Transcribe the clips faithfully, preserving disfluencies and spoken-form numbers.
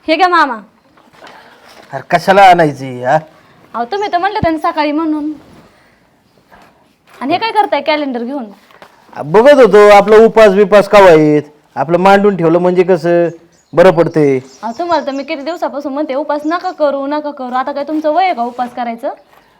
हे घ्या मामा. अरे कशाला आणायची हा? अहो तुम्ही तर म्हणले त्यांनी सकाळी म्हणून. आणि हे काय करताय कॅलेंडर घेऊन? बघत होतो आपलं उपास बिपास का आहेत आपलं मांडून ठेवलं म्हणजे कसं बरं पडते. अहो तुम्हाला तर मी किती दिवसापासून म्हणते उपास नका करू नका करू. आता काय तुमचं वय आहे का उपास करायचं?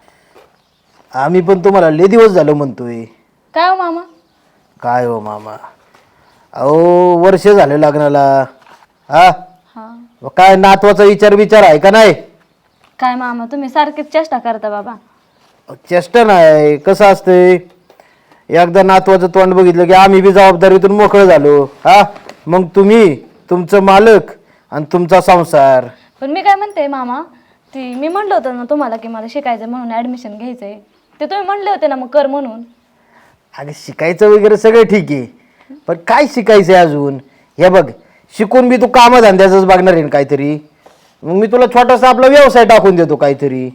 आम्ही पण तुम्हाला लय दिवस झालं म्हणतोय. काय हो मामा? काय हो मामा, अहो वर्ष झाले लग्नाला. हा हा काय नातवाचा विचार विचार आहे का नाही? काय मामा तुम्ही सारखीच चेष्टा करता बाबा. चेष्टा नाही, कसं असतंय एकदा नातवाचं तोंड बघितलं की आम्ही बी जबाबदारीतून मोकळं झालो. हा मग तुम्ही तुमचं मालक आणि तुमचा संसार. पण मी काय म्हणते मामा, ती मी म्हणलं होतं ना तुम्हाला की मला शिकायचं म्हणून ॲडमिशन घ्यायचंय, ते तुम्ही म्हणले होते ना मग कर म्हणून. अगं शिकायचं वगैरे सगळं ठीक आहे, पण काय शिकायचंय अजून? हे बघ शिकून बी तू कामधंद्याचंच बघणार आहे ना काहीतरी. मग मी तुला छोटासा आपला व्यवसाय टाकून देतो काहीतरी,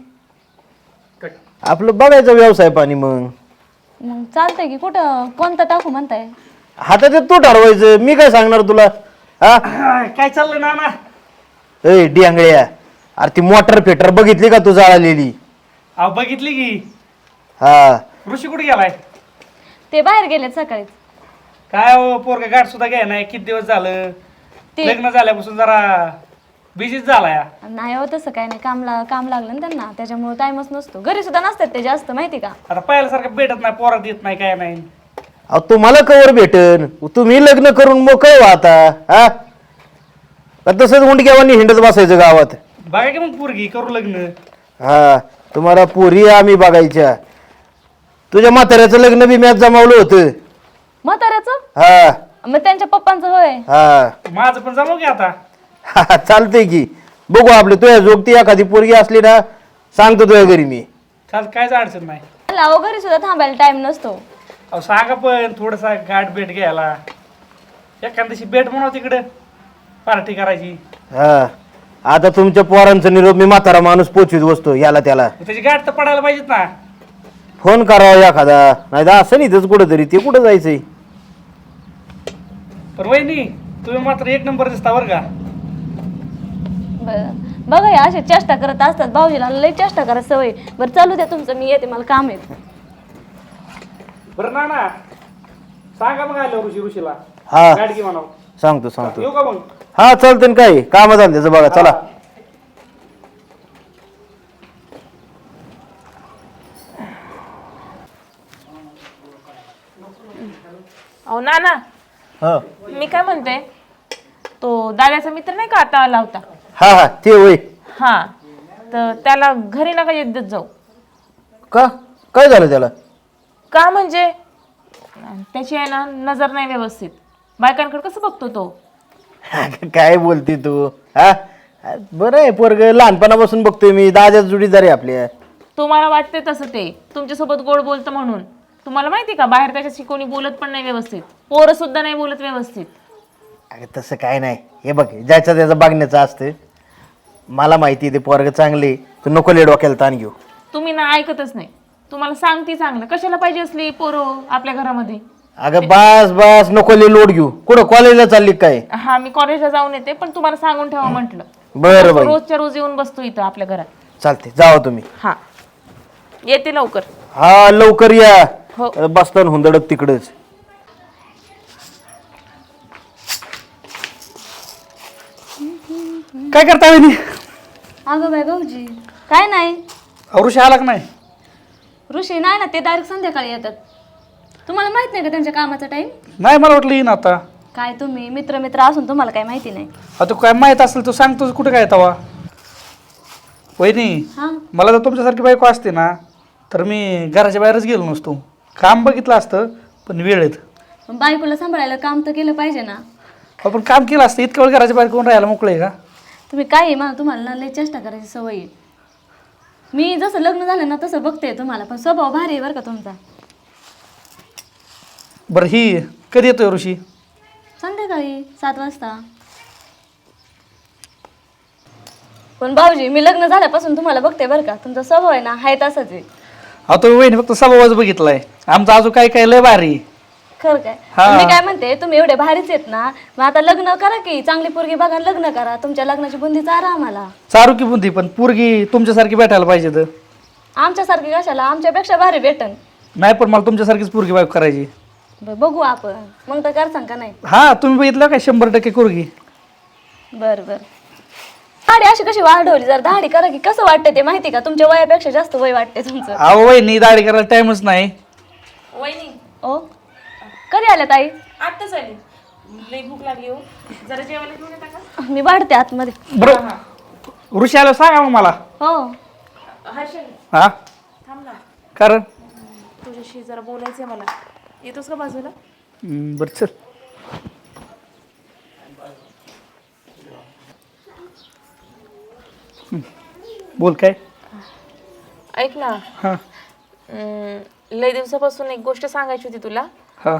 आपलं बघायचं व्यवसाय पाणी. मग मग चालतंय की, कुठं कोणतं टाकू म्हणताय? हातात तू ठरवायचं, मी काय सांगणार तुला. हा काय चाललंय नाना? ए डिंगळ्या, अरे ती मोटर फेटर बघितली का तू जाळलेली? अहो बघितली की. हा ऋषी कुठे गेलाय? ते बाहेर गेलेत सकाळीच. काय हो पोरगा गाठ सुद्धा घ्याय नाही, किती दिवस झालं ते लग्न झाल्यापासून जरा बिझीच झालाय. नाही हो तसं काय नाही, काम ला काम लागलं ना त्यांना, त्याच्यामुळे टाइमच नसतो. घरी सुद्धा नसतात ते जास्त, माहिती का? आता पहिल्यासारखं भेटत नाही, पोरात येत नाही, काय नाही. अहो तुम्हाला कवर भेटन, तुम्ही लग्न करून मोकळ व्हा आता. हा का तसंच मुंडक्यावानी हिंडत बसायचं गावात? बघा की मग पोरगी करू लग्न. हा तुम्हाला पोरी आम्ही बघायच्या. तुझ्या म्हाताऱ्याचं लग्न बी मॅच जमावलं होतं. म्हाताऱ्याचं? हा मग त्यांच्या पप्पांचं होय? हा माझं पण जमव की आता. हा चालतंय की, बघू आपलं तुझ्या जोगती एखादी पोरगी असली ना सांगतो तुझ्या घरी मी. चाल, कायच अडचण नाही. अहो घरी सुद्धा थांबायला टाइम नसतो. अहो सांगा पण थोडसा गाठ भेट घ्यायला, एखाद्या दिवशी भेट म्हणा तिकडे पार्टी करायची. हा आता तुमच्या पोरांचा निरोप मी म्हातारा माणूस पोचवीत बसतो याला त्याला. त्याची गाठ तर पडायला पाहिजेत ना. फोन करावा एखादा, नाही तर असं नाही इथंच कुठं तरी. ते कुठं जायचंय? पण वहिनी तुम्ही मात्र एक नंबर दिसता बरं का. बरं बघा या असे चेष्टा करत असतात, भाऊजीला लई चेष्टा करत सवय. बरं चालू द्या तुमचं, मी येते, मला काम आहे. बरं ना ना सांगा मग आलो ऋषी ऋषीला हा गाठ घे म्हणावं. सांगतो सांगतो. येऊ का मग? हा चालतं ना, काय काम झालं त्याचं बघा. चला अहो नाना, हा मी काय म्हणते, तो दादाचा मित्र नाही का आता आला होता? हा हा ते होय. हा, तर त्याला घरी नका येत देत जाऊ. का काय झालं त्याला? का म्हणजे त्याची आहे ना नजर नाही व्यवस्थित, बायकांकडे कसं बघतो तो. काय बोलते तू? हा बरं आहे पोरग, लहानपणापासून बघतोय मी. दादाच जुडीदार आहे आपल्या. तुम्हाला वाटते तसं, ते तुमच्यासोबत गोड बोलतं म्हणून. तुम्हाला माहिती का बाहेर त्याच्याशी कोणी बोलत पण नाही व्यवस्थित, पोरं सुद्धा नाही बोलत व्यवस्थित. अगं तसं काय नाही, हे बघ ज्याचं त्याचं बघण्याचं असतं. मला माहिती आहे ते पोरग चांगले, तू नको ले डोक्याला ताण घेऊ. तुम्ही ना ऐकतच नाही. तुम्हाला सांगते चांगलं, कशाला पाहिजे असली पोरं आपल्या घरामध्ये. अगं बस बस नको ले लोड घेऊ. कुठं कॉलेजला चालली काय? हा, मी कॉलेजला जाऊन येते, पण तुम्हाला सांगून ठेवा म्हटलं. बरं बाई रोजच्या रोज येऊन बसतो इथं आपल्या घरात. चालते, जावा तुम्ही. हा, येते लवकर. हा लवकर या. हो. बसताना हुंदडत तिकडच. काय करता वहिनी? अगं बाय भाऊजी काय नाही. अहो, ऋषी आला का नाही? ऋषी नाही ना, ते डायरेक्ट संध्याकाळी येतात. तुम्हाला माहित नाही का त्यांच्या कामाचा टाइम? नाही, मला वाटलं येईन आता. काय तुम्ही मित्र मित्र असून तुम्हाला काय माहिती नाही? आता काय माहित असेल तर सांगतोच, कुठे काय तवा. वहिनी हा मला जर तुमच्यासारखी बायको असते ना तर मी घराच्या बाहेरच गेलो नसतो. काम बघितलं असतं पण वेळेत. पण बायकोला सांभाळायला काम तर केलं पाहिजे ना. आपण काम केलं असतं, इतकं वेळ घराच्या बाहेर कोण राहायला मोकळे का? तुम्ही काय मला तुम्हाला ना लय चेष्टा करायची सवय आहे. मी जसं लग्न झालं ना तसं बघते तुम्हाला, पण स्वभाव भारी आहे बरं का तुमचा. बरं ही कधी येतोय ऋषी? संध्याकाळी सात वाजता. पण भाऊजी मी लग्न झाल्यापासून तुम्हाला बघते बरं का, तुमचा स्वभाव आहे ना हाय तसाच आहे. अहो तुम्ही वहिनी फक्त स्वभावच बघितलाय, आमचा अजून काय काय लय भारी. खरं काय हा. मी काय म्हणते तुम्ही एवढे भारीच आहेत ना मग आता लग्न करा की चांगली पोरगी बघा लग्न करा तुमच्या लग्नाची बुंदी चारा आम्हाला चारू की बुंदी पण पोरगी तुमच्यासारखी भेटायला पाहिजे तर आमच्यासारखी कशाला आमच्यापेक्षा भारी भेटन नाही पण मला तुमच्यासारखीच पोरगी बायको करायची. बरं, बघू आपण मग तर करसान का नाही हा तुम्ही बघितलं काय शंभर टक्के पोरगी. बर बर दाढी अशी कशी वाढवली जर दाढी करा की कसं वाटतं ते माहिती का तुमच्या वयापेक्षा जास्त वय वाटते तुमचं अहो वहिनी दाढी करायला टाइमच नाही. वहिनी ओ कधी आल्या ताई आत्ताच आली. लई भूक लागली हो. जरा जेवायला घेऊन येता का? मी वाढते आतमध्ये बरोबर ऋषी आलो सांगा मग मला. हो हर्षल हा थांब ना, कारण तुझ्याशी जरा बोलायचंय मला. येतोस का बाजूला? हम्म, बरं चल. हम्म, बोल काय. ऐक ना, हा अं, लई दिवसापासून एक गोष्ट सांगायची होती तुला. हा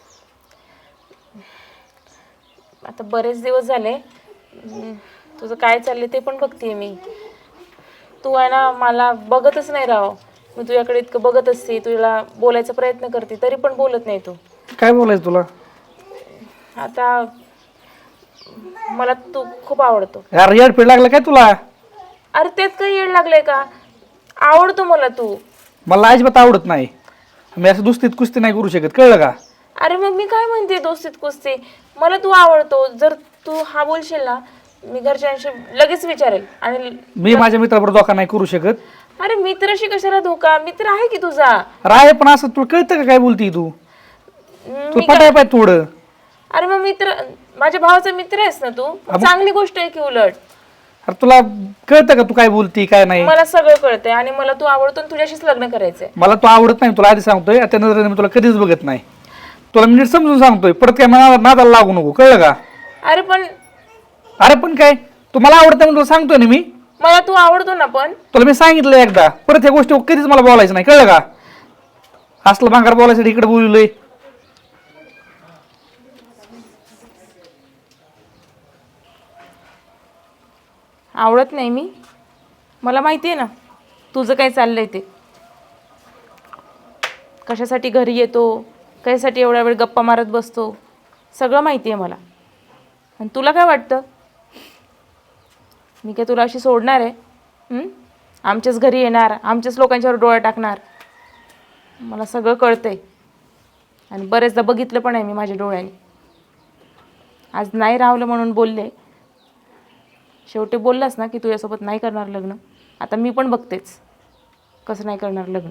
आता बरेच दिवस झाले. अं, तुझं काय चाललंय ते पण बघतेय मी. तू आहे ना मला बघतच नाही राव. मी तुझ्याकडे इतकं बघत असते, तुला बोलायचा प्रयत्न करते तरी पण बोलत नाही तू. काय बोलायचं तुला. आता मला तू खूप आवडतो. यार येड पेड लागलं काय तुला. अरे त्यात काही येड लागलंय का. आवडतो मला तू. मला अजिबात आवडत नाही. मी असं दुस्तीत कुस्ती नाही करू शकत कळलं का. अरे मग मी काय म्हणते दोस्तीत कुस्ती. मला तू आवडतो. जर तू हा बोलशील ना मी घरच्यांशी लगेच विचारेल. आणि मी माझ्या मित्राबरोबर धोका नाही करू शकत. अरे मित्राशी कशाला धोका. मित्र आहे की तुझा. राय पण असं तुला कळतं का काय बोलती तू. तू मी पटाय पाहिजे थोडं. अरे मग मित्र माझ्या भावाचा मित्र आहेस ना तू. चांगली गोष्ट आहे की उलट. अरे तुला कळतं का तू काय बोलती काय नाही. मला सगळं कळतंय आणि मला तू आवडतो आणि तुझ्याशीच लग्न करायचंय. मला तू आवडत नाही तुला आधी सांगतोय. त्या नजरेने मी तुला कधीच बघत नाही. तुला मी नीट समजून सांगतोय. परत काय मला नादाला लागू नको कळलं का. अरे पण अरे पण काय तू मला आवडतं म्हणून तुला सांगतोय ना मी. मला तू आवडतो ना. पण तुला मी सांगितलं एकदा. परत ह्या गोष्टी कधीच मला बोलायचं नाही कळलं का. असलं भांगार बोलायसाठी इकडे बोललोय. आवडत नाही मी. मला माहिती आहे ना तुझं काय चाललंय ते. कशासाठी घरी येतो, कशासाठी एवढा वेळ गप्पा मारत बसतो, सगळं माहिती आहे मला. आणि तुला काय वाटतं मी काय तुला अशी सोडणार आहे. हं? आमच्याच घरी येणार, आमच्याच लोकांच्यावर डोळा टाकणार. मला सगळं कळतंय आणि बरेचदा बघितलं पण आहे मी माझ्या डोळ्याने. आज नाही राहलं म्हणून बोलले. शेवटी बोललास ना की तुझ्यासोबत नाही करणार लग्न. आता मी पण बघतेच कसं नाही करणार लग्न.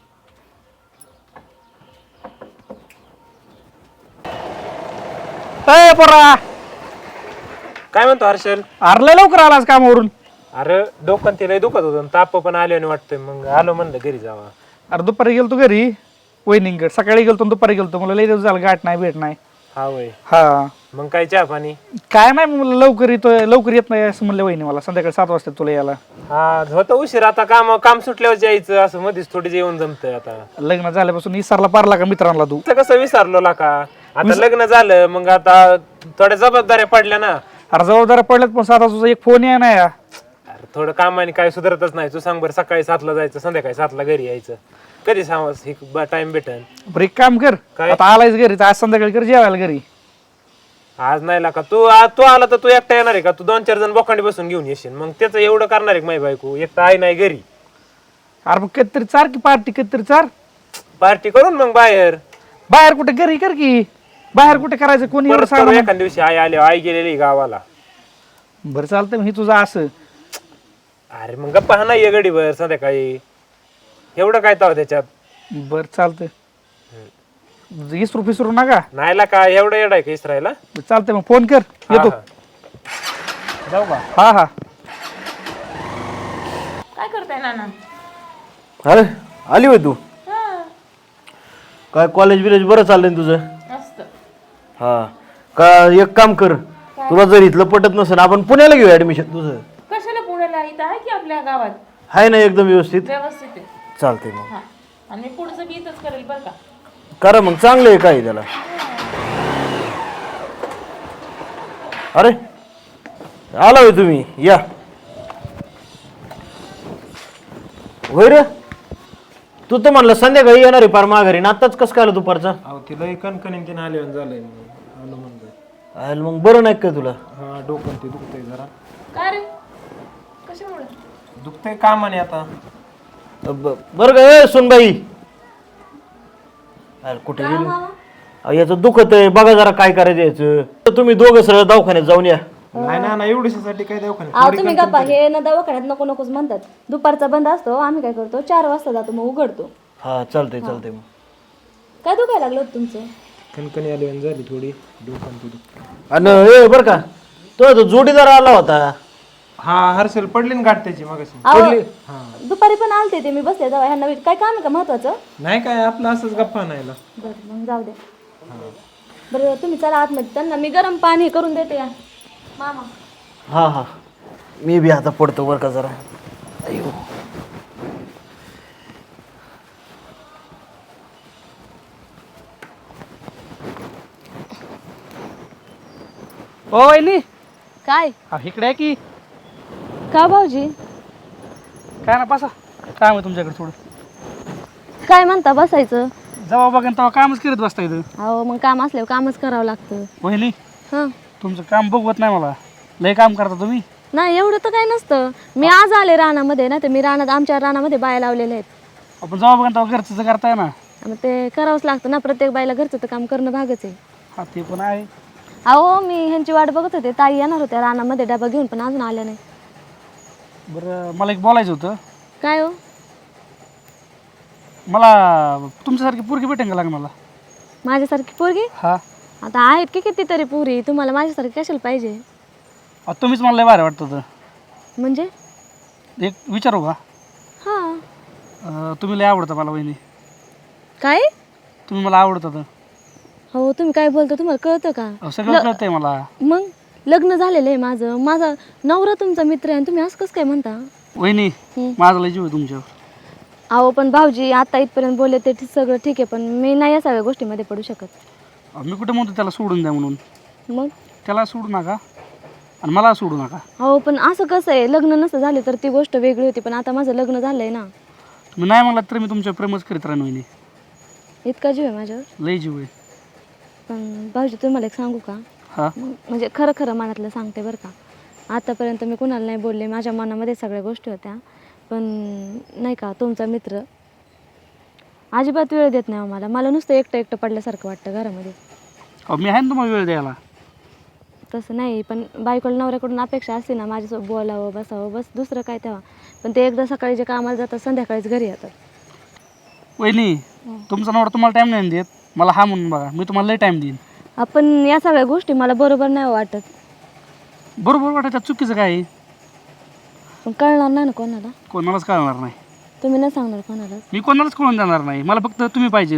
अय पोरा काय म्हणतो हर्षल. अरे लवकर आलास कामावरून. अरे डोकं ते लय दुखत होतं ताप पण आले आणि वाटतंय मग आलो म्हणलं घरी जावा. अरे दुपारी गेलतो घरी वहिनींकडे. सकाळी गेलतो दुपारी गेलतो. मला लई दिवस झाला गाठ नाही भेट नाही. हा वय हा मग काय चहा पाणी. काय नाही मला लवकर येतोय लवकर येत नाही असं म्हणलं वहिनी मला. संध्याकाळी सात वाजता तुला यायला. हा होतं उशीर आता काम काम सुटल्यावर जायचं असं मध्येच थोडी जेवण जमतंय. आता लग्न झाल्यापासून विसरला पारला का मित्रांना तू. असं कसं विसरलो ला का. आता लग्न झालं मग आता थोड्या जबाबदाऱ्या पडल्या ना. अरे जबाबदाऱ्या पडल्यात पण साधा तुझा एक फोन या नाही. अरे थोडं कामाने काय सुधारतच नाही. तू सांग बरं सकाळी सातला जायचं संध्याकाळी सातला घरी यायचं. कधी सांग टाइम भेटन. बरं एक काम कर काय? आता आलायच घरी तर आज संध्याकाळी कर जेवायला घरी. आज नाही ला का तू आज तू आला तर तू एकटा येणार आहे का. तू दोन चार जण बोकांडी बसून घेऊन येशील मग त्याचं एवढं करणार आहे का माही बायको. एकटा आई नाही घरी. अरे मग कधीतरी चार की पार्टी कधीतरी चार. पार्टी करून मग बाहेर बाहेर कुठे घरी कर की. बाहेर कुठे करायचं कोणी एवढं परत सांग. करू एखाद्या दिवशी आई आली आई गेलेली गावाला. बरं चालतंय मग हे तुझं असं. अरे मग गप्पा हा नाही गडीवर संध्याकाळी. एवढं काय ताव त्याच्यात. बरं चालतंय इसरू फिसरू नका. नाहीला का एवढं येड आहे का इसरायला. चालतंय मग फोन कर येतो. जाऊ का. हा हा काय करताय नाना. अरे आली होय तू. काय कॉलेज बिलेज बरं चाललंय ना तुझं. मस्त. हा का एक काम कर तुला जर इथलं पटत नसेल आपण पुण्याला घेऊ ऍडमिशन तुझं. कशाला पुण्याला. इथं आहे की आपल्या गावात आहे ना एकदम व्यवस्थित. व्यवस्थित आहे. चालतंय मग हा आणि मी पुढचं बी इथंच करेल बरं का. करा मग चांगलं आहे काय त्याला. अरे आला होय तुम्ही या. होय रे तू तर म्हणलं संध्याकाळी येणार आहे पार माघारी ना आत्ताच कसं काय आलं दुपारचा? अहो तिला कणकणीन तिने आले झालंय आलो म्हणलं. आलं मग बरं नाही का तुला? हा डोकं ते दुखतंय जरा. काय रे कशामुळे? दुखतंय कामाने आता. ब- बरं का ए सुनबाई, अरे कुठे गेली? अहो, याचं दुखत आहे, बघा जरा काय करायचं याचं. तर तुम्ही दोघं सरळ दवाखान्यात जाऊन या. नाही ना ना एवढ्यासाठी काय दवाखान्यात. अहो तुम्ही गप्पा, हे ना दवाखान्यात नको नकोच म्हणतात. दुपारचा बंद असतो, आम्ही काय करतो चार वाजता जातो मग उघडतो. हा चालतंय चालतंय मग. काय दुखायला लागलं होतं तुमचं? कणकणी आली आणि झाली थोडी डोकं ते दुखतंय. आणि ए बरं का, तो तो जोडीदार आला होता. हा हर्षल पडली ना गाठ त्याची मगाशी. अहो दुपारी पण आलते ते, मी बसले जावा ह्यांना विच- काय काम आहे का महत्वाचं? नाही काय आपलं असंच गप्पा नाही ला. बरं मग जाऊ द्या. बरं तुम्ही चला आतमध्ये, त्यांना मी गरम पाणी करून देते या मामा. हा हा मी बी आता पडतो बरं का जरा. अयो ओ वहिनी, काय हा इकडे आहे की का भाऊजी? काय ना बसा, काम आहे तुमच्याकडे थोडं. काय म्हणता बसायचं? जेव्हा बघा तेव्हा कामच करत बसता इथं. अहो मग काम असल्यावर कामच करावं लागतं. वहिनी हां तुमचं काम बघवत नाही मला, लय काम करता तुम्ही. नाही एवढं तर काही नसतं. मी आज आले रानामध्ये ना, तर मी रानात आमच्या रानामध्ये बाया लावलेल्या आहेत. आपण जेव्हा बघा तेव्हा घरचं करताय ना. मग ते करावंच लागतं ना, प्रत्येक बाईला घरचं तर काम करणं भागच आहे. हा ते पण आहे. अहो मी ह्यांची वाट बघत होते, ताई येणार होत्या रानामध्ये डबा घेऊन पण अजून आल्या नाही. बरं मला एक बोलायचं होतं. काय हो? मला तुमच्यासारखी पोरगी भेटेन का लग्नाला? माझ्यासारखी पोरगी? हा आता आहेत की कितीतरी पुरी, तुम्हाला माझ्यासारखी कशाला पाहिजे? अहो, तुम्हीच मला लय भारी वाटतं होतं. म्हणजे? एक विचारू का? हां. अं, तुम्ही लय आवडता मला वहिनी. काय? तुम्ही मला आवडत होतं. हो तुम्ही काय बोलता, तुम्हाला कळतं का? अहो, सगळं कळतंय मला. मग लग्न झालेलं आहे माझं, माझा नवरा तुमचा मित्र आहे आणि तुम्ही असं कसं काय म्हणता? वहिनी माझा लय जीव आहे तुमच्यावर. अहो पण भाऊजी आता इथपर्यंत बोलले ते ठीक- सगळं ठीक आहे, पण मी नाही या सगळ्या गोष्टीमध्ये पडू शकत. अहो, मी कुठे म्हणतो त्याला सोडून द्या म्हणून. मग त्याला सोडू नका आणि मला सोडू नका. हो पण असं कसं आहे, लग्न नसतं झाले तर ती गोष्ट वेगळी होती, पण आता माझं लग्न झालंय ना. तुम्ही नाही म्हणलात तर मी तुमच्या प्रेमच करीत राहीन वहिनी. इतका जीव आहे माझ्यावर. लय जीव आहे. पण भाऊजी तुम्हाला एक सांगू का? हा म्हणजे खरं खरं मनातलं सांगते बरं का. आतापर्यंत मी कुणाला नाही बोलले, माझ्या मनामध्ये सगळ्या गोष्टी होत्या, पण नाही का तुमचा मित्र अजिबात वेळ देत नाही हो मला. मला नुसतं एकटं एकटं पडल्यासारखं वाटतं घरामध्ये. अहो, मी आहे ना तुम्हाला वेळ द्यायला. तसं नाही, पण बायकोला नवऱ्याकडून अपेक्षा असते ना माझ्यासोबत बोलावं बसावं, बस दुसरं काय तेव्हा. पण ते एकदा सकाळी जे कामाला जातात संध्याकाळीच घरी येतात. वहिनी तुमचा नवरा तुम्हाला टाईम नाही देत, मला हा म्हणून बघा, मी तुम्हाला लय टाईम देईन. आपण या सगळ्या गोष्टी मला बरोबर नाही वाटत. बरोबर वाटायचं चुकीचं काय आहे? पण कळणार नाही ना कोणाला. कोणालाच कळणार नाही. तुम्ही नाही सांगणार कोणाला. मी कोणालाच कळून देणार नाही, मला फक्त तुम्ही पाहिजे.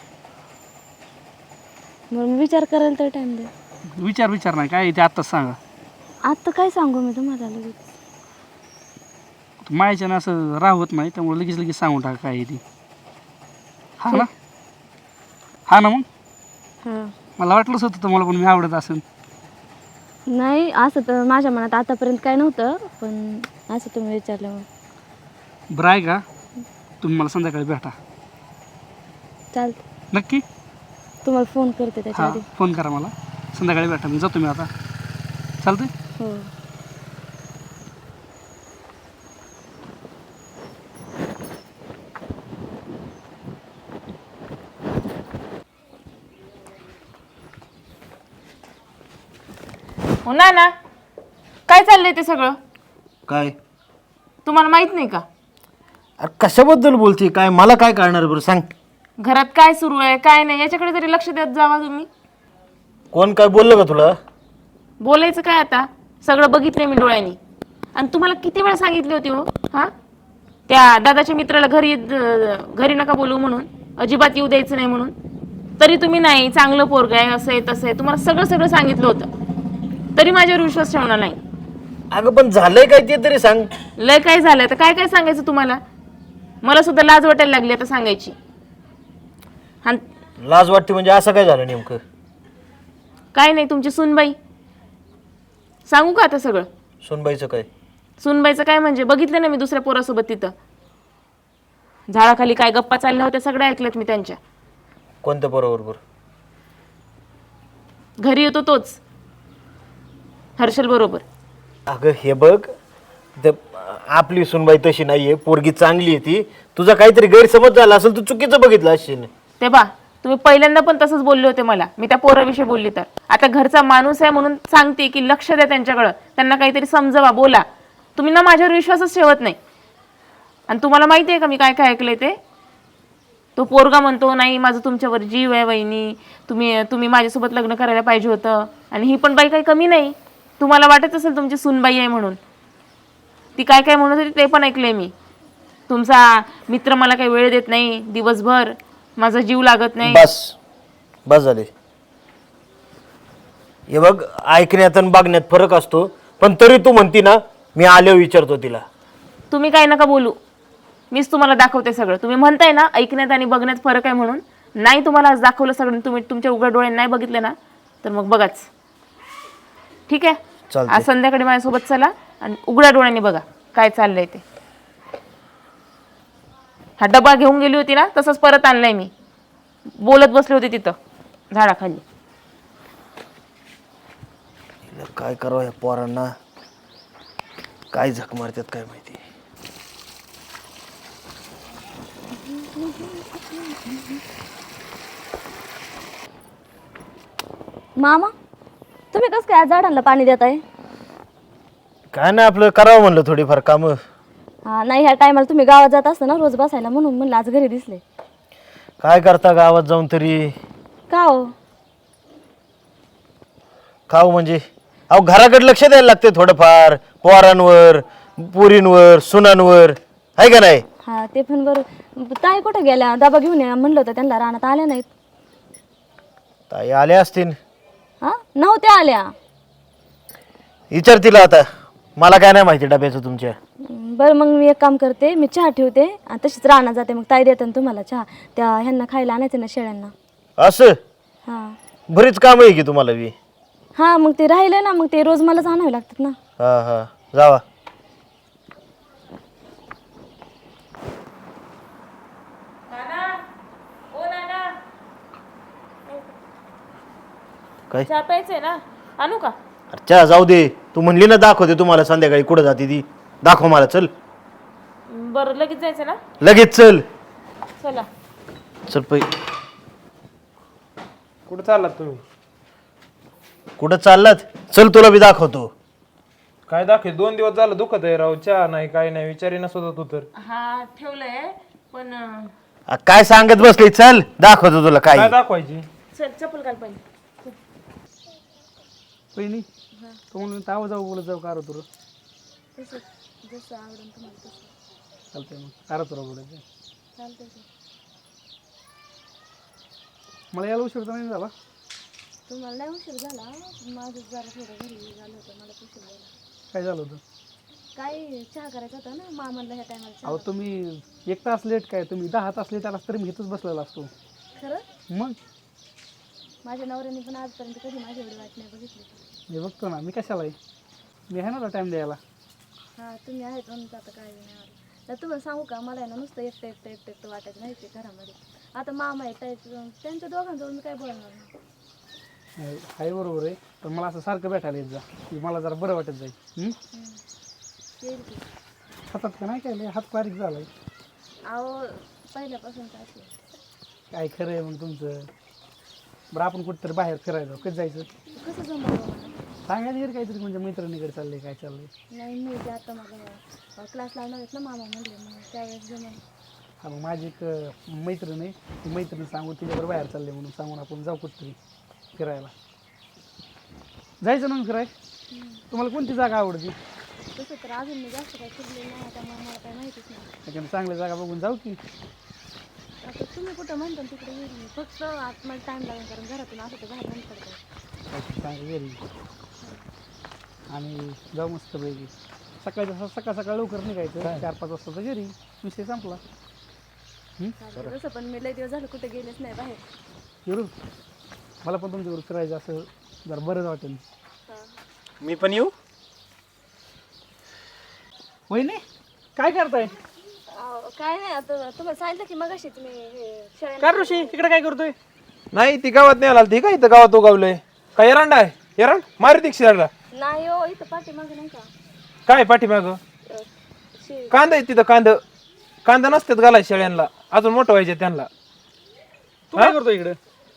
म्हणून विचार करायला तर टाईम द्या. विचार विचार नाही काय ते आत्ताच सांगा. आता काय सांगू मी तुम्हाला लगेच. मायाच्यानं असं राहत नाही, त्यामुळे लगेच लगेच सांगून टाका काय आहे ते. हा ना हा ना मग हां मला वाटलंच होतं तुम्हाला पण मी आवडत असेल. नाही असं तर माझ्या मनात आतापर्यंत काय नव्हतं, पण असं तुम्ही विचारलं मग. बरं आहे का, तुम्ही मला संध्याकाळी भेटा चालतं. नक्की. तुम्हाला फोन करते त्याच्या हां आधी. फोन करा मला, संध्याकाळी भेटा. मी जातो मी आता. चालतंय. हो. हो ना ना काय चाललंय ते सगळं काय तुम्हाला माहित नाही का? अरे कशाबद्दल बोलते, काय मला काय कळणार बरं सांग. घरात काय सुरू आहे काय नाही याच्याकडे तरी लक्ष देत जावा तुम्ही. कोण काय बोललं का तुला? बोलायचं काय आता, सगळं बघितलंय मी डोळ्यांनी. आणि तुम्हाला किती वेळा सांगितली होती हो हा, त्या दादाच्या मित्राला घरी घरी नका बोलू म्हणून, अजिबात येऊ द्यायचं नाही म्हणून. तरी तुम्ही नाही, चांगलं पोरग आहे असं आहे तसं आहे, तुम्हाला सगळं सगळं सांगितलं होतं, तरी माझ्यावर विश्वास ठेवणार नाही. अगं पण झालंय काय ते तरी सांग. लय काय झालं तर काय काय सांगायचं तुम्हाला, मला सुद्धा लाज वाटायला लागली आता सांगायची. आणि लाज वाटते म्हणजे असं काय झालं नेमकं? काय नाही, तुमची सुनबाई. सांगू का आता सगळं? सोनबाईचं काय? सुनबाईचं काय म्हणजे बघितलं ना मी दुसऱ्या पोरासोबत तिथं. झाडाखाली काय गप्पा चालल्या होत्या सगळ्या ऐकल्यात मी त्यांच्या. कोणत्या बरोबर? घरी येतो तोच, हर्षल बरोबर. अगं हे बघ, द- आपली सुनबाई तशी नाहीये, पोरगी चांगली आहे ती. तुझा काहीतरी गैरसमज झाला असेल, तू चुकीचं बघितलं असेल. ते बा तुम्ही पहिल्यांदा पण तसंच बोलले होते मला, मी त्या पोराविषयी बोलली तर. आता घरचा माणूस आहे म्हणून सांगते की लक्ष द्या त्यांच्याकडं, त्यांना काहीतरी समजवा, बोला. तुम्ही ना माझ्यावर विश्वासच ठेवत नाही. आणि तुम्हाला माहिती आहे का मी काय काय ऐकलंय ते? तो पोरगा म्हणतो नाही माझं तुमच्यावर जीव आहे वहिनी, तुम्ही तुम्ही माझ्यासोबत लग्न करायला पाहिजे होतं. आणि ही पण बाई काही कमी नाही, तुम्हाला वाटत असेल तुमची सूनबाई आहे म्हणून. ती काय काय म्हणत होती ते पण ऐकलंय मी. तुमचा मित्र मला काही वेळ देत नाही दिवसभर, माझा जीव लागत नाही. बस बस झाले. हे बघ, ऐकण्यात आणि बघण्यात फरक असतो, पण तरी तू म्हणती ना, मी आल्यावर विचारतो तिला. तुम्ही काय नका बोलू, मीच तुम्हाला दाखवते सगळं. तुम्ही म्हणताय ना ऐकण्यात आणि बघण्यात फरक आहे म्हणून, नाही तुम्हाला आज दाखवलं सगळं, तुम्ही तुमच्या उघड्या डोळ्यांनी नाही बघितलं ना, तर मग बघाच. ठीक आहे, चालतंय. आज संध्याकाळी माझ्यासोबत चला आणि उघड्या डोळ्यांनी बघा काय चाललंय ते. हा डबा घेऊन गेली होती ना, तसंच परत आणलाय मी. बोलत बसले होते तिथं झाडाखाली. हिला काय करावं या पोरांना, काय झक मारतात काय माहिती. मामा, तुम्ही कसं काय आज झाडांना पाणी देताय? काय नाही, आपलं करावं म्हणलं थोडीफार कामं. हा नाही, ह्या टायमाला तुम्ही गावात जात असता ना रोज बसायला, म्हणून म्हणलं आज घरी दिसले. काय करता गावात जाऊन तरी? का हो? खाऊ म्हणजे अहो घराकडे लक्ष द्यायला लागते थोडंफार, पोरांवर, पुरींवर, सुनांवर, आहे का नाही? हा ते पण बरोबर. ताई कुठे गेल्या? डबा घेऊन या म्हणलं होतं त्यांना, रानात आल्या नाहीत. ताई आल्या असतील. हा नव्हत्या आल्या. विचार तिला आता, मला काय नाही माहिती डब्याचं तुमच्या. बरं मग मी एक काम करते, मी चहा ठेवते आणि तशीच रानात जाते, मग ताई देते ना तुम्हाला चहा. त्या ह्यांना खायला आणायचं ना शेळ्यांना. असं हा बरीच काम आहे की तुम्हाला बी. हा मग ते राहिले ना, मग ते रोज मलाच आणावे लागतात ना. हा हा जावा. काय चहा प्यायचंय ना, आणू का? अरे चहा जाऊ दे, तू म्हणली ना दाखवते तुम्हाला संध्याकाळी, कुठं जाते ती, दाखव मला. चल बरं लगेच जायचं ना, लगेच चल. चला. चल पै. कुठं चाललात तुम्ही? कुठं चाललात? चल तुला बी दाखवतो. काय दाखव, दोन दिवस झालं दुखत आहे राव, चहा नाही काय नाही, विचारी नसत तू तर. हा ठेवलंय पण अं, आ, काय सांगत बसली, चल दाखवतो तुला काय. काय दाखवायची? चल चप्पल घाल पाहिजे. पहिली तो म्हणून ताव जाऊ बोलत जाऊ कार तुला चालतंय, मग कार तुला बोलायचं. मला यायला उशीर तर नाही झाला. तुम्हाला नाही उशीर झाला, माझं जरा थोडं घरी झालं होतं, मला उशीर झाला. काय झालं होतं? काय चहा करायचा होता ना मामाला ह्या टायमाला. अहो तुम्ही एक तास लेट काय, तुम्ही दहा तास लेट आलास तरी मी इथंच बसलेला असतो. खरं मग माझ्या नवऱ्याने पण आजपर्यंत कधी माझी एवढी वाट नाही बघितली. मी बघतो ना, मी कशाला आहे, मी आहे ना टाईम द्यायला. हा तुम्ही आहेत म्हणून आता काय नाही आलं. तर तुम्हाला सांगू का, मला आहे ना नुसतं एकटं एकटं एकटं एकटं वाटायचं नाही ते घरामध्ये. आता मामा आहेत आहेत, त्यांच्या दोघांजवळ मी काय बोलणार नाही. आहे बरोबर आहे, पण मला असं सारखं भेटायला येत जा, की मला जरा बरं वाटत जाईल. हं? येईल की. हातात का नाही काय लय हात बारीक झालाय. अहो पहिल्यापासून काय असेल. काय खरं आहे मग तुमचं. बरं आपण कुठेतरी बाहेर फिरायला जाऊ, कधी जायचं? कसं जमलं? सांगायचं घरी काहीतरी, म्हणजे मैत्रिणीकडे चाललंय काय चाललंय. नाही मी ते आता माझा क्लास लावणार आहेत ना मामा म्हणले, मग त्यावेळेस जमलं. हा मग माझी एक अं, मैत्रीण आहे, ती मैत्रीण सांगू तिच्यावर बाहेर चालले म्हणून सांगून आपण जाऊ कुठतरी फिरायला. जायचं ना फिराय. तुम्हाला कोणती जागा आवडती? तसं तर अजून मी जास्त काय फिरले नाही, त्यामुळे मला काय माहितीच नाही. एखादी चांगली जागा बघून जाऊ की. आता तुम्ही कुठं म्हणता तिकडे येईल मी, फक्त आत मला टाईम लागेल, कारण घरातून असं तर बाहेर नाही पडतं. काहीतरी चांगली घरी आणि जाऊ मस्त पैकी. सकाळी सकाळ सकाळ लवकर निघायचं, चार पाच वाजता घरी, विषय संपला. चालेल. तसं पण मी लय दिवस झालं कुठे गेलेच नाही बाहेर. येऊ मला पण तुमच्यावर फिरायचं असं जरा बरंच वाटेल. मी पण येऊ? वहिनी काय करताय? अहो काय नाही आता तुम्हाला सांगितलं की मग अशी तुम्ही काय ऋषी इकडे काय करतोय? नाही ती गावात नाही आला ती काय इथं गावात उगावलंय काय एरंड आहे एरंड मारी ती शिराला नाही हो इथं पाठी मागे नाही का काय पाठीमाग कांदा आहे तिथं कांदा कांदा नसतात घालाय शेळ्यांना अजून मोठं व्हायचे त्यांना तू काय करतोय इकडे?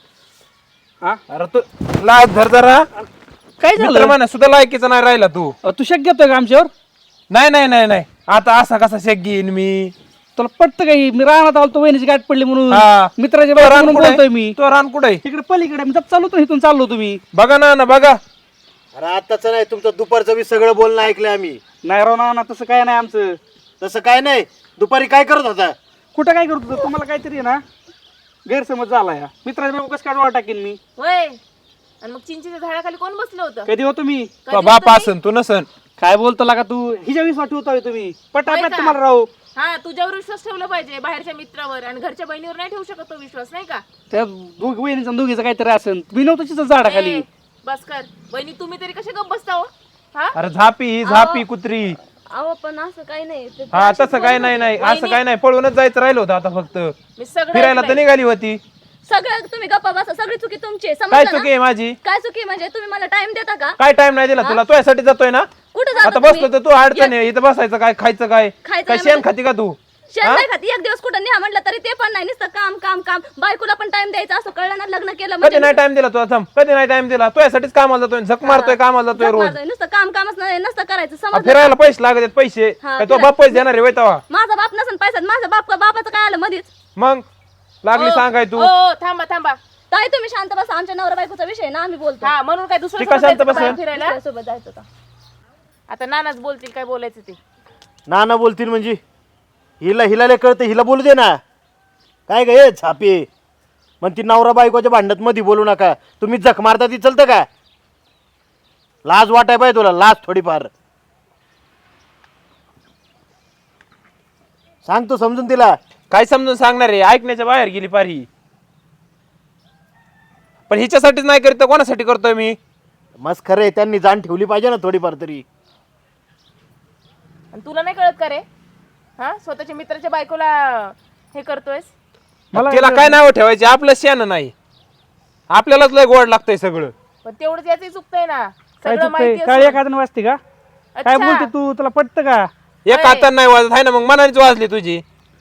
हा अरे तू लाज धर जरा काय मित्र म्हणा सुद्धा लायकीचा नाही राहिला तू तू शक घेतोय का आमच्यावर? नाही नाही नाही नाही आता असा कसा शेक घेईन मी तुला पटतं काही मी राहणार आलो वहिनीची गाठ पडली म्हणून हा. मित्राच्या तो बाहेर रान म्हणून कुठे बोलतोय मी. तो रान कुठे इकडे पलीकडे मी जप चाललो होतो इथून चाललो तुम्ही. बघा ना ना बघा अरे आताच नाही तुमचं दुपारचं बी सगळं बोलणं ऐकलंय आम्ही. नाही राव ना तसं काय नाही आमचं. तसं काय नाही. दुपारी काय करत होता? कुठं काय करतो तुम्हाला काहीतरी आहे ना गैरसमज झाला या मित्राच्या बाबा कसं काय डोळा टाकीन मी. होय आणि मग चिंचेच्या झाडाखाली कोण बसलं होतं? कधी होतो मी तो बाप असन तू नसन काय बोलतो लागा तू हिच्या विश्वास ठेवतोय तुम्ही होय पटापट का? तुम्हाला राहू हा तुझ्यावर विश्वास ठेवला पाहिजे बाहेरच्या मित्रावर आणि घरच्या बहिणीवर नाही ठेवू शकत तो विश्वास नाही का? त्या दोघ वहिनीचा दोघीचं काहीतरी असेल मी नव्हतो तिचं झाडाखाली. ए, बस कर बहिणी तुम्ही तरी कसे गप्प बसता हो हा अरे झापी ही झापी कुत्री अहो पण असं काही नाही ते- हा तसं काय नाही नाही असं काय नाही पळूनच जायचं राहिलं होतं आता फक्त मी सगळं फिरायला तर ऐकलंय. निघाली होती सगळं तुम्ही गप्पा बसा सगळी चुकी तुमची आहे, काय समजलं चुकी ना? आहे माझी काय चुकी म्हणजे तुम्ही मला टाइम देता का? काय टाइम नाही दिला तुला तुझ्यासाठी जातोय ना कुठं जाता आता तुम्ही? बसलो तर तू अडचण आहे इथं बसायचं काय खायचं काय खायचं काय काय शेण म्हणजे? खाती का तू शेण नाही खाती एक दिवस कुठं न्या म्हटलं तरी ते पण नाही नुसतं काम काम काम बायकोला पण टाइम द्यायचा असं कळलं ना लग्न केलं कधी म्हणजे नाही टाइम दिला तुला थांब कधी नाही टाइम दिला तुझ्यासाठीच कामाला जातोय झक मारतोय कामाला जातोय झक रोज मारतोय, नुसतं काम कामच नाही नसतं करायचं आ, समजलं फिरायला पैसे लागत आहेत पैसे हा, काय तो फिरायला. बाप पैसे देणार आहे तवा माझा बाप नसन पैसा माझा बाप बापाचं काय आलं मधीच मग लागली ओ, सांगाय तू ओ, ओ, थांबा थांबा ताई तुम्ही शांत बसा आमच्या नवरा बायकोचा विषय ना आम्ही बोलतो हा म्हणून काय दुसऱ्या ती का सोबत शांत जायचं का बसेल? बाहेर फिरायला सोबत जायचं होतं. आता नानाच बोलतील काय बोलायचं ते. नाना बोलतील म्हणजे हिला हिला कळतं हिला बोलू दे ना. काय गे छापे मग ती नवरा बायकोच्या भांडत मध्ये बोलू नका. तुम्ही जख मारता ती चलतं का? लाज वाटाय पाहिजे तुला लाज थोडीफार. सांगतो समजून तिला. काय समजून सांगणार आहे ऐकण्याच्या बाहेर गेली पारी पण हिच्यासाठीच नाही करीत तर कोणासाठी करतोय मी मस्त खरं आहे त्यांनी जाण ठेवली पाहिजे ना थोडीफार तरी. आणि तुला नाही कळत का रे हा स्वतःच्या मित्राच्या बायकोला हे करतोयस. तिला काय नाव ठेवायचे आपलं शेण नाही आपल्यालाच लय गोड लागतंय सगळं पण तेवढंच याच चुकतंय ना काय सगळं चुकतंय माहिती काय असून. एखादं वाजते का काय अच्छा. बोलते तू तुला पटतं का? एक हातानं नाही वाजत आहे ना मग मनानेच वाजली तुझी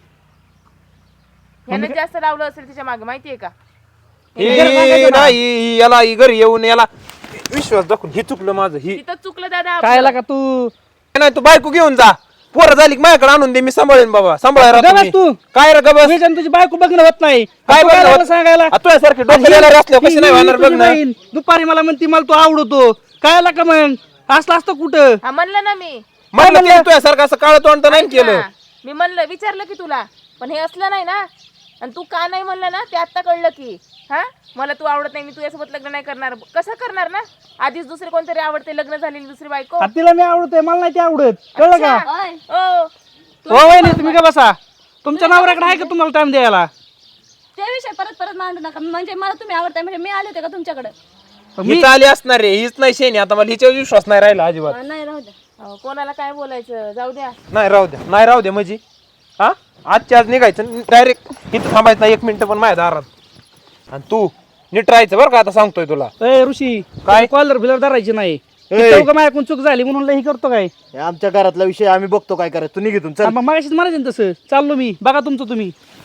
ह्यानं जास्त लावलं असेल तिच्या मागे माहितीये का? ही नाही ही याला ही घरी येऊन याला विश्वास दाखवून ही चुकलं माझं ही तिथं चुकलं दादा काय आपलं. का तू नाही तू बायको घेऊन जा पोरं झाली की माझ्याकडे आणून दे मी सांभाळेन बाबा सांभाळा गबस राहतो मी. तू. काय रे गबस तुझ्या आणि तुझी बायको बघणं होत नाही काय तू बघणं लागला होत? सांगायला आ, तुझ्यासारखे डोक्याला असल्यावर कशी नाही होणार बघ तुझी ना बहीण दुपारी मला म्हणती मला तू आवडतो काय का मग असलं असतं कुठं हा म्हणलं ना मी म्हटलं तिने तुझ्यासारखं असं काळ तोंड तर नाही केलं हा, मी म्हणलं विचारलं की तुला पण हे असलं नाही ना आणि तू का नाही म्हणलं ना ते आता कळलं की हा मला तू आवडत नाही मी तुझ्यासोबत लग्न नाही करणार कसं करणार ना आधीच दुसरे कोणतरी आवडते लग्न झालेली दुसरी बायको. आ, तिला मी आवडतोय मला नाही ते आवडत कळलं का? ओय, ओ हो वहिनी तुम्ही का बसा तुमच्या नवऱ्याकडे आहे का तुम्हाला टाइम द्यायला? ते विषय परत परत मांडू नका म्हणजे मला तुम्ही आवडताय म्हणजे मी आले होते का तुमच्याकडे? हीच आली असणार रे हीच नाही शेणी आता मला हिच्यावर विश्वास नाही राहिला अजिबात हा, नाही राहू द्या. अहो, कोणाला काय बोलायचं जाऊ द्या. नाही राहू द्या नाही राहू द्या म्हणजे हा आजच्या आज निघायचं डायरेक्ट इथं थांबायचं नाही एक मिनिट पण माझ्या दारात आणि तू नीट राहायचं बरं का आता सांगतोय तुला ए ऋषी काय कॉलर बिलर धरायची नाही माझ्याकडून चूक झाली म्हणून लई करतो काय हे आमच्या घरातला विषय आम्ही बघतो काय करायचं. तू निघितून चल. मग मागाशीच म्हणायचं ना तसं चाललो मी बघा तुमचं तुम्ही.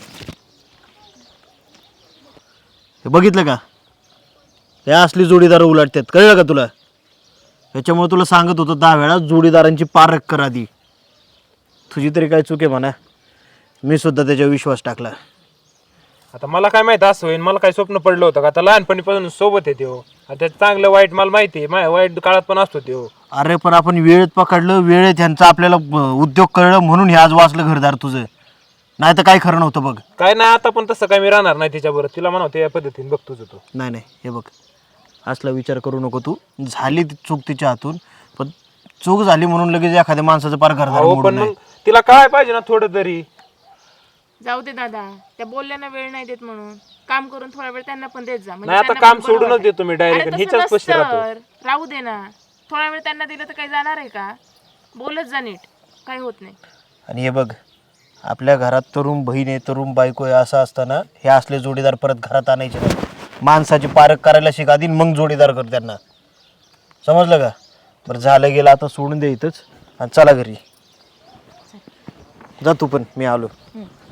हे बघितलं का हे असली जोडीदार उलटतात कळलं का तुला? त्याच्यामुळे तुला सांगत होतो दहा वेळा जोडीदारांची पारख कर आधी. तुझी तरी काय चूक आहे म्हणा मी सुद्धा त्याच्यावर विश्वास टाकला. आता मला काय माहिती असं होईल मला काय स्वप्न पडलं होतं का आता लहानपणीपासून सोबत आहे त्यो आता चांगलं वाईट मला माहिती आहे माझ्या वाईट काळात पण असतो त्यो अरे पण आपण वेळेत पकडलं वेळेत ह्यांचं आपल्याला अं, उद्योग कळलं म्हणून हे आज वाचलं घरदार तुझं. नाही तर काही खरं नव्हतं बघ. काय नाही आता पण तसं काय मी राहणार नाही तिच्याबरोबर तिला म्हणावं या पद्धतीने बघ तुझं तू नाही नाही हे बघ असला विचार करू नको तू. झाली ती चूक तिच्या हातून पण चूक झाली म्हणून लगेच एखाद्या माणसाचं पार घरदार हो मोडून पण नाही. मग तिला काय पाहिजे ना थोडं तरी जाऊ दे दादा त्या बोलल्याना वेळ नाही देत म्हणून काम करून थोडा वेळ त्यांना पण देत जा म्हणजे नाही आता त्यांना काम पण बरं सोडूनच वाटेल. देतो मी अरे डायरेक्ट तसं हिच्याच पशी राहतो नसतं. राहू दे ना थोडा वेळ त्यांना दिलं तर काही जाणार आहे का बोलत जा नीट काही होत नाही. आणि हे बघ आपल्या घरात तरुण बहीण आहे तरुण बायको आहे असं असताना हे असले जोडीदार परत घरात आणायचे नाही. माणसाची पारख करायला शिक आधी मग जोडीदार कर त्यांना. समजलं का? बरं झालं गेलं आता सोडून दे इथंच आणि चला घरी. जा तू पण, मी आलो.